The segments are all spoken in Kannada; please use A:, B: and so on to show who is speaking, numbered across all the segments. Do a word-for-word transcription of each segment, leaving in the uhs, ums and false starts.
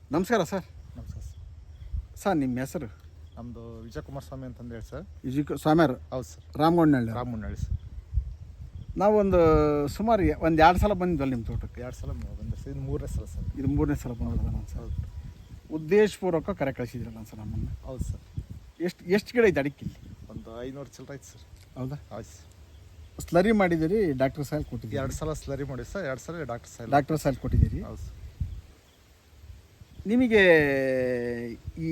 A: ನಮಸ್ಕಾರ ಸರ್.
B: ನಮಸ್ಕಾರ ಸರ್.
A: ಸರ್ ನಿಮ್ಮ ಹೆಸರು?
B: ನಮ್ಮದು ವಿಜಯಕುಮಾರ ಸ್ವಾಮಿ ಅಂತಂದು ಹೇಳಿ ಸರ್.
A: ವಿಜಯ ಸ್ವಾಮ್ಯಾರು?
B: ಹೌದು ಸರ್.
A: ರಾಮಗೊಂಡನಹಳ್ಳಿ.
B: ರಾಮಗೊಂಡನಹಳ್ಳಿ ಸರ್.
A: ನಾವೊಂದು ಸುಮಾರು ಒಂದು ಎರಡು ಸಲ ಬಂದಿದ್ವಲ್ಲ ನಿಮ್ಮ ತೋಟಕ್ಕೆ?
B: ಎರಡು ಸಲ ಬಂದೆ ಸರ್. ಇದು ಮೂರನೇ ಸಲ ಸರ್.
A: ಇದು ಮೂರನೇ ಸಲ ಬಂದಿರೋದ ನಾನು ಸರ್.
B: ಹೌದು.
A: ಉದ್ದೇಶಪೂರ್ವಕ ಕರೆ ಕಳಿಸಿದ್ರಲ್ಲ ಸರ್ ನಮ್ಮನ್ನು?
B: ಹೌದು ಸರ್.
A: ಎಷ್ಟು ಎಷ್ಟು ಗಿಡ ಐತೆ ಅಡಿಕೆ ಇಲ್ಲಿ?
B: ಒಂದು ಐನೂರು ಚಿಲ್ಲರೆ ಐತೆ ಸರ್.
A: ಹೌದಾ?
B: ಹೌದು ಸರ್.
A: ಸ್ಲರಿ ಮಾಡಿದ್ದೀರಿ, ಡಾಕ್ಟರ್ ಸಾಯಿಲ್ ಕೊಟ್ಟಿದ್ದೀರಿ?
B: ಎರಡು ಸಲ ಸ್ಲರಿ ಮಾಡಿ ಸರ್, ಎರಡು ಸಲ ಡಾಕ್ಟರ್ ಸಾಯಿಲ್.
A: ಡಾಕ್ಟರ್ ಸಾಯಿಲ್ ಕೊಟ್ಟಿದ್ದೀರಿ.
B: ಹೌದು ಸರ್.
A: ನಿಮಗೆ ಈ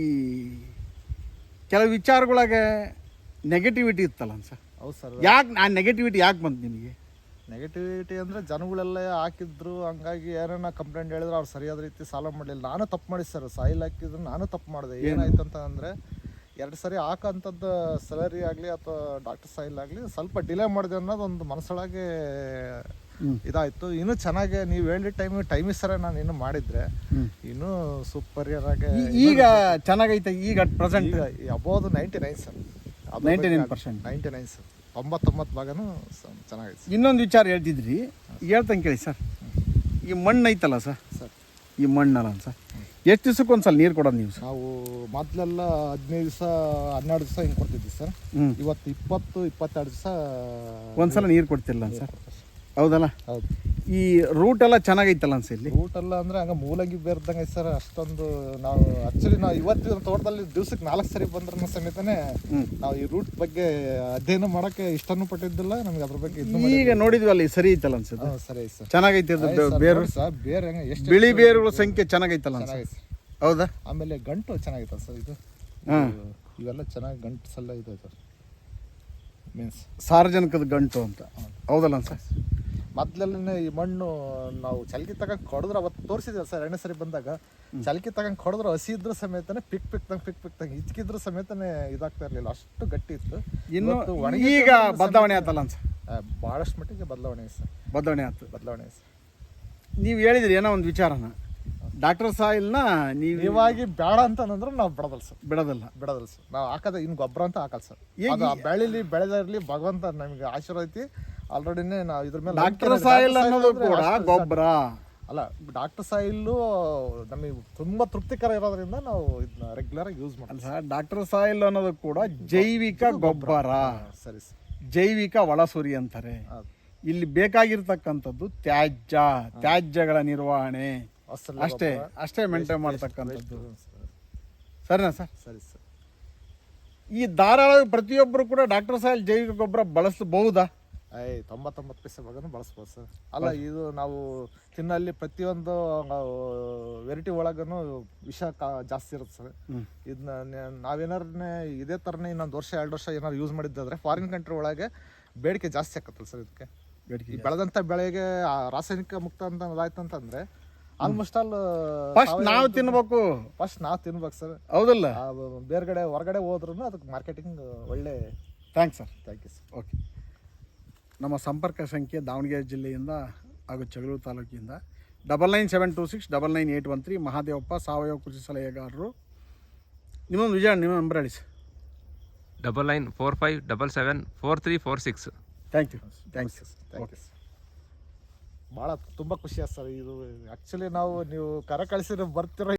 A: ಕೆಲವು ವಿಚಾರಗಳಾಗ ನೆಗೆಟಿವಿಟಿ ಇತ್ತಲ್ಲ ಸರ್?
B: ಹೌದು ಸರ್.
A: ಯಾಕೆ ಆ ನೆಗೆಟಿವಿಟಿ ಯಾಕೆ ಬಂತು ನಿಮಗೆ?
B: ನೆಗೆಟಿವಿಟಿ ಅಂದರೆ ಜನಗಳೆಲ್ಲ ಹಾಕಿದ್ರು, ಹಂಗಾಗಿ ಏನೇನ ಕಂಪ್ಲೇಂಟ್ ಹೇಳಿದ್ರು ಅವ್ರು ಸರಿಯಾದ ರೀತಿ ಸಾಲ ಮಾಡಲಿಲ್ಲ. ನಾನು ತಪ್ಪು ಮಾಡಿ ಸರ್, ಸಾಯಿಲ್ ಹಾಕಿದ್ರು ನಾನು ತಪ್ಪು ಮಾಡಿದೆ. ಏನಾಯ್ತು ಅಂತ ಅಂದರೆ ಎರಡು ಸರಿ ಹಾಕೋಂಥದ್ದು ಸ್ಲರಿ ಆಗಲಿ ಅಥವಾ ಡಾಕ್ಟರ್ ಸಾಯಿಲ್ ಆಗಲಿ ಸ್ವಲ್ಪ ಡಿಲೇ ಮಾಡಿದೆ ಅನ್ನೋದು ಒಂದು ಮನಸ್ಸೊಳಗೆ ಇದಾಯಿತು. ಇನ್ನೂ ಚೆನ್ನಾಗಿ ನೀವು ಹೇಳಿದ ಟೈಮ್ ಟೈಮಿಗೆ ಸರ ನಾನು ಇನ್ನೂ ಮಾಡಿದರೆ ಇನ್ನೂ ಸೂಪರಿಯರ್ ಆಗಿ
A: ಈಗ ಚೆನ್ನಾಗೈತೆ. ಈಗ ಅಟ್ ಪ್ರೆಸೆಂಟ್
B: ಈಗ about ninety nine sir.
A: Ninety nine percent
B: ninety nine sir. ತೊಂಬತ್ತೊಂಬತ್ತು ಭಾಗನೂ ಚೆನ್ನಾಗೈತೆ.
A: ಇನ್ನೊಂದು ವಿಚಾರ ಹೇಳ್ತಿದ್ರಿ, ಹೇಳ್ತಂಗೆ ಕೇಳಿ ಸರ್. ಈ ಮಣ್ಣು ಐತಲ್ಲ ಸರ್,
B: ಸರ್
A: ಈ ಮಣ್ಣಲ್ಲ ಸರ್, ಎಷ್ಟು ದಿವ್ಸಕ್ಕೆ ಒಂದ್ಸಲ ನೀರು ಕೊಡೋದು ನೀವು ಸರ್?
B: ನಾವು ಮೊದಲೆಲ್ಲ ಹದಿನೈದು ದಿವಸ ಹನ್ನೆರಡು ದಿವಸ ಹಿಂಗೆ ಕೊಡ್ತಿದ್ವಿ ಸರ್. ಇವತ್ತು ಇಪ್ಪತ್ತು ಇಪ್ಪತ್ತೆರಡು ದಿವಸ
A: ಒಂದ್ಸಲ ನೀರು ಕೊಡ್ತಿರಲ್ಲ ಸರ್? ಹೌದಲ್ಲ?
B: ಹೌದು.
A: ಈ ರೂಟ್ ಎಲ್ಲ ಚೆನ್ನಾಗೈತಲ್ಲ ಅನ್ಸ ಇಲ್ಲಿ?
B: ರೂಟ್ ಎಲ್ಲ ಅಂದರೆ ಹಂಗೆ ಮೂಲಂಗಿ ಬೇರ್ದಂಗೆ ಐತೆ ಸರ್. ಅಷ್ಟೊಂದು ನಾವು ಆ್ಯಕ್ಚುಲಿ ನಾವು ಇವತ್ತಿನ ತೋಟದಲ್ಲಿ ದಿವ್ಸಕ್ಕೆ ನಾಲ್ಕು ಸರಿ ಬಂದ್ರೂ ಸಮೇತನೇ ನಾವು ಈ ರೂಟ್ ಬಗ್ಗೆ ಅಧ್ಯಯನ ಮಾಡೋಕ್ಕೆ ಇಷ್ಟನೂ ಪಟ್ಟಿದ್ದಿಲ್ಲ. ನಮ್ಗೆ ಅದ್ರ ಬಗ್ಗೆ
A: ಈಗ ನೋಡಿದ್ವಲ್ಲ, ಸರಿ ಐತಲ್ಲ ಅನ್ಸುತ್ತೆ?
B: ಸರಿ ಸರ್.
A: ಚೆನ್ನಾಗೈತೆ ಅದು ಬೇರು
B: ಸರ್. ಬೇರೆ ಹೆಂಗೆ ಎಷ್ಟು
A: ಬಿಳಿ ಬೇರುಗಳ ಸಂಖ್ಯೆ ಚೆನ್ನಾಗೈತಲ್ಲ ಅನ್ಸುತ್ತೆ? ಹೌದಾ?
B: ಆಮೇಲೆ ಗಂಟು ಚೆನ್ನಾಗೈತಲ್ಲ ಸರ್ ಇದು? ಇವೆಲ್ಲ ಚೆನ್ನಾಗಿ ಗಂಟು ಸಲ್ಲ ಇದೆ ಸರ್. ಮೀನ್ಸ್
A: ಸಾರ್ವಜನಿಕದ ಗಂಟು ಅಂತ. ಹೌದಲ್ಲ ಸರ್?
B: ಮೊದಲೇ ಈ ಮಣ್ಣು ನಾವು ಚಲಕಿ ತಗೊಂಡು ಕೊಡಿದ್ರೆ ಅವತ್ತು ತೋರಿಸಿದ್ವಿ ಸರ್. ಎರಡನೇ ಸರಿ ಬಂದಾಗ ಚಲಕಿ ತಗೊಂಡು ಕೊಡಿದ್ರು ಹಸಿ ಇದ್ರ ಸಮೇತನೇ ಪಿಕ್ ಪಿಕ್ ತಂಗೆ ಪಿಕ್ ಪಿಕ್ ತಂಗೆ ಇಚ್ಕಿದ್ರ ಸಮೇತನೇ ಇದಾಗ್ತಾ ಇರಲಿಲ್ಲ, ಅಷ್ಟು ಗಟ್ಟಿ ಇತ್ತು.
A: ಇನ್ನು ಈಗ ಬದಲಾವಣೆ ಆತಲ್ಲ ಸರ್?
B: ಭಾಳಷ್ಟು ಮಟ್ಟಿಗೆ ಬದಲಾವಣೆ ಸರ್.
A: ಬದಲಾವಣೆ ಆಯ್ತು.
B: ಬದಲಾವಣೆ ಸರ್.
A: ನೀವು ಹೇಳಿದ್ರಿ ಏನೋ ಒಂದು ವಿಚಾರನ, ಡಾಕ್ಟರ್ ಸಾಯಿಲ್ನ ನೀವು
B: ನೀವಾಗಿ ಬೇಡ ಅಂತಂದ್ರೆ ನಾವು ಬಿಡೋದಲ್ಲ ಸರ್.
A: ಬಿಡೋದಲ್ಲ
B: ಬಿಡೋದಲ್ಲ ಸರ್. ನಾವು ಹಾಕೋದ ಇನ್ನು ಗೊಬ್ಬರ ಅಂತ ಹಾಕಲ್ಲ ಸರ್. ಅದು ಬೆಳಿಲಿ ಬೆಳೆದಿರಲಿ ಭಗವಂತ ನಮಗೆ ಆಶೀರ್ವಾದ ಐತಿ. ಆಲ್ರೆಡಿನೇ ನಾವು ಇದ್ರ ಮೇಲೆ
A: ಡಾಕ್ಟರ್ ಸಾಯಿಲ್ ಅನ್ನೋದು ಕೂಡ ಗೊಬ್ಬರ
B: ಅಲ್ಲ. ಡಾಕ್ಟರ್ ಸಾಯಿಲ್ಲು ನಮಗೆ ತುಂಬಾ ತೃಪ್ತಿಕರ ಇರೋದ್ರಿಂದ ನಾವು ಇದನ್ನ ರೆಗ್ಯುಲರ್ ಆಗಿ ಯೂಸ್ ಮಾಡ್ತೀವಿ
A: ಸರ್. ಡಾಕ್ಟರ್ ಸಾಯಿಲ್ ಅನ್ನೋದು ಕೂಡ ಜೈವಿಕ ಗೊಬ್ಬರ.
B: ಸರಿ ಸರ್.
A: ಜೈವಿಕ ಒಳಸುರಿ ಅಂತಾರೆ. ಇಲ್ಲಿ ಬೇಕಾಗಿರ್ತಕ್ಕಂಥದ್ದು ತ್ಯಾಜ್ಯ, ತ್ಯಾಜ್ಯಗಳ ನಿರ್ವಹಣೆ ಅಷ್ಟೇ ಅಷ್ಟೇ ಮೇಂಟೈನ್ ಮಾಡ್ತಕ್ಕಂಥದ್ದು. ಸರಿನಾ ಸರ್?
B: ಸರಿ ಸರ್.
A: ಈ ಧಾರಾಳ ಪ್ರತಿಯೊಬ್ಬರು ಕೂಡ ಡಾಕ್ಟರ್ ಸಾಯಿಲ್ ಜೈವಿಕ ಗೊಬ್ಬರ ಬಳಸಬಹುದಾ?
B: ಐ ತೊಂಬತ್ತೊಂಬತ್ತು ಪೈಸೆ ಭಾಗನೂ ಬಳಸ್ಬೋದು ಸರ್. ಅಲ್ಲ, ಇದು ನಾವು ತಿನ್ನಲ್ಲಿ ಪ್ರತಿಯೊಂದು ವೆರೈಟಿ ಒಳಗೂ ವಿಷ ಕಾ ಜಾಸ್ತಿ ಇರುತ್ತೆ ಸರ್. ಇದನ್ನ ನಾವೇನಾರೇ ಇದೇ ಥರನೇ ಇನ್ನೊಂದು ವರ್ಷ ಎರಡು ವರ್ಷ ಏನಾದ್ರು ಯೂಸ್ ಮಾಡಿದ್ದಾದ್ರೆ ಫಾರಿನ್ ಕಂಟ್ರಿ ಒಳಗೆ ಬೇಡಿಕೆ ಜಾಸ್ತಿ ಆಕತ್ತಲ್ಲ ಸರ್. ಇದಕ್ಕೆ ಬೇಡಿಕೆ ಬೆಳೆದಂಥ ಬೆಳೆಗೆ ರಾಸಾಯನಿಕ ಮುಕ್ತ ಅಂತ ಅದಾಯ್ತು ಅಂತಂದರೆ ಆಲ್ಮೋಸ್ಟ್ ಆಲ್
A: ಫಸ್ಟ್ ನಾವು ತಿನ್ಬೇಕು.
B: ಫಸ್ಟ್ ನಾವು ತಿನ್ಬೇಕು ಸರ್.
A: ಹೌದಲ್ಲ?
B: ಬೇರೆಗಡೆ ಹೊರಗಡೆ ಹೋದ್ರೂ ಅದಕ್ಕೆ ಮಾರ್ಕೆಟಿಂಗ್ ಒಳ್ಳೆ.
A: Thanks sir.
B: Thank you sir.
A: Okay. ನಮ್ಮ ಸಂಪರ್ಕ ಸಂಖ್ಯೆ ದಾವಣಗೆರೆ ಜಿಲ್ಲೆಯಿಂದ ಹಾಗೂ ಜಗಳೂರು ತಾಲೂಕಿಂದ double nine seven two six double nine eight one three Mahadevappa ಸಾವಯವ ಕೃಷಿ ಸಲಹೆಗಾರರು. ನಿಮ್ಮೊಂದು ವಿಜಯ ನಿಮ್ಮ ನಂಬರ್ ಹೇಳಿ sir.
C: Double nine four five double seven four three four six.
A: Thank you. Thanks
B: you thank you sir. ಭಾಳ ತುಂಬ ಖುಷಿ ಆಯ್ತು ಸರ್. ಇದು ಆ್ಯಕ್ಚುಲಿ ನಾವು ನೀವು ಕರೆ ಕಳಿಸಿದ್ರೆ ಬರ್ತಿರೋ